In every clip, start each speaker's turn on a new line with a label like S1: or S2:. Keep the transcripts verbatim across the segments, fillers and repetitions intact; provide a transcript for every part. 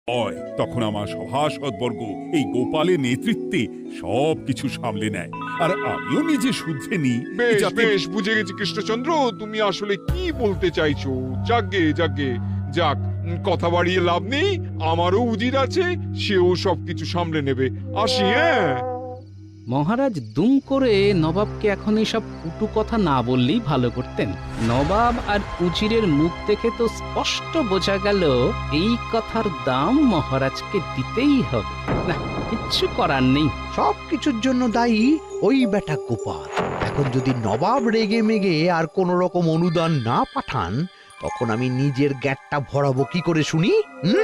S1: হয় তখন আমার সভাসদবর্গ এই গোপালের নেতৃত্বে সবকিছু সামলে নেয়, আর আমিও নিজে শুদ্ধে নিই
S2: বেশ
S1: যাতে
S2: বেশ বুঝে গেছি কৃষ্ণচন্দ্র, তুমি আসলে কি বলতে চাইছো। যাগে যাগে যাক, উম, কথা বাড়িয়ে লাভ নেই। আমারও উজির আছে, সেও সবকিছু সামলে নেবে। আসি, হ্যাঁ।
S3: মহারাজ দুম করে নবাবকে এখন এইসব কুটু কথা না বললেই ভালো করতেন। নবাব আর উজিরের মুখ দেখে তো স্পষ্ট বোঝা গেল এই কথার দাম মহারাজকে দিতেই হবে। না, কিচ্ছু করার নেই।
S4: সব কিছুর জন্য দায়ী ওই বেটা গোপাল। এখন যদি নবাব রেগে মেগে আর কোন রকম অনুদান না পাঠান, তখন আমি নিজের গ্যাটটা ভরাবো কি করে শুনি? হুম?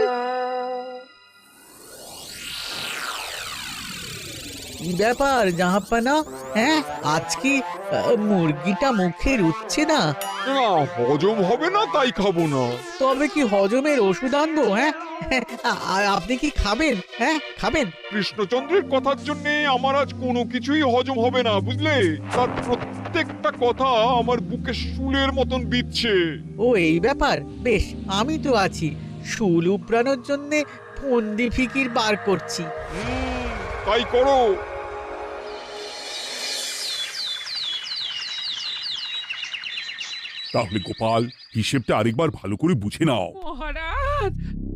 S5: কি ব্যাপার জাহাপানা? হ্যাঁ, আজ কি আহ, মুরগিটা মুখে রুচ্ছে না?
S2: না, হজম হবে না তাই খাবো না।
S5: তবে কি হজমের ওষুধ আনবো? হ্যাঁ, আর আপনি কি খাবেন? হ্যাঁ, খাবেন?
S2: কৃষ্ণচন্দ্রের কথার জন্য আমার আজ কোনো কিছুই হজম হবে না, বুঝলে? তার প্রত্যেকটা কথা আমার বুকে শুলের মতন বিচ্ছে।
S5: ও এই ব্যাপার, বেশ, আমি তো আছি। শুল উপড়ানোর জন্য ফন্দি ফিকির বার করছি।
S2: হুম, তাই করো।
S1: তাহলে গোপাল, হিসেবটা আরেকবার ভালো করে বুঝে নাও।
S6: মহারাজ,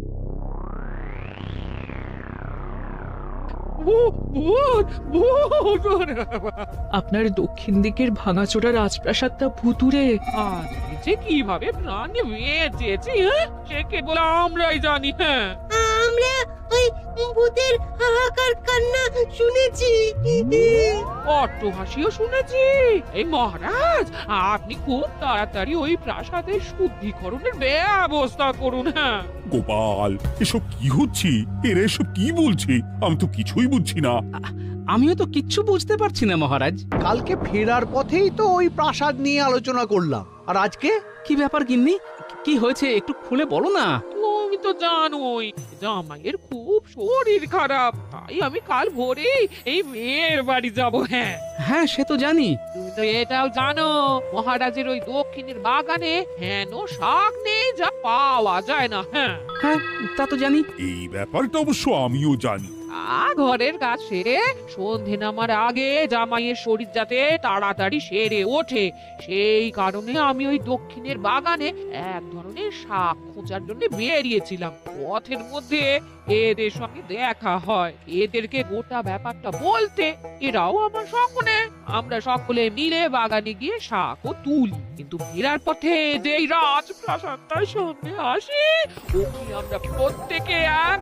S6: ভূ- ভূত, ভূত! আপনার দক্ষিণ দিকের ভাঙাচোরা রাজপ্রাসাদটা ভুতুরে। আজ যে কিভাবে প্রাণ বেঁচেছি, হ্যাঁ, সে কেবল আমরাই জানি। হ্যাঁ,
S7: আমরা ওই ভূতের হাহাকার কান্না শুনেছি।
S6: অট্টহাসিও শুনেছি। এই মহারাজ, আপনি খুব তাড়াতাড়ি ওই প্রাসাদের শুদ্ধিকরণের ব্যবস্থা করুন। হ্যাঁ,
S1: গোপাল, এসব কি হচ্ছে? এরা এসব কি বলছে? আমি তো কিছুই বুঝছি না।
S3: আমিও তো কিচ্ছু বুঝতে পারছি না মহারাজ।
S4: কালকে ফেরার পথেই তো ওই প্রাসাদ নিয়ে আলোচনা করলাম, আর আজকে
S3: কি ব্যাপার গিন্নি? কি হয়েছে একটু খুলে বলো না।
S6: তুমি তো জানোই জামাইয়ের খুব শরীর খারাপ, তাই আমি কাল ভোরে এই মেয়ের বাড়ি যাব। হ্যাঁ,
S3: হ্যাঁ, সে তো জানি।
S6: তুমি তো এটাও জানো মহারাজের ওই দক্ষিণের বাগানে হেন শাক নেই যা পাওয়া যায় না। হ্যাঁ,
S3: হ্যাঁ, তা তো জানি।
S1: এই ব্যাপারটা অবশ্য আমিও জানি।
S6: আ ঘরের কাজ সেরে সন্ধে নামার আগে জামাইয়ের শরীর যাতে তাড়াতাড়ি সেরে ওঠে, সেই কারণে আমি ওই দক্ষিণের বাগানে এক ধরনের শাক খোঁজার জন্য বেরিয়েছিলাম। পথের মধ্যে এদের সঙ্গে দেখা হয়, এদেরকে গোটা ব্যাপারটা বলতে এরাও আমার সঙ্গে। আমরা সকলে মিলে বাগানে গিয়ে শাকও তুলি, কিন্তু ফেরার পথে যেই রাজপ্রাসাদটার সামনে আসি, ওকে আমরা প্রত্যেকে এক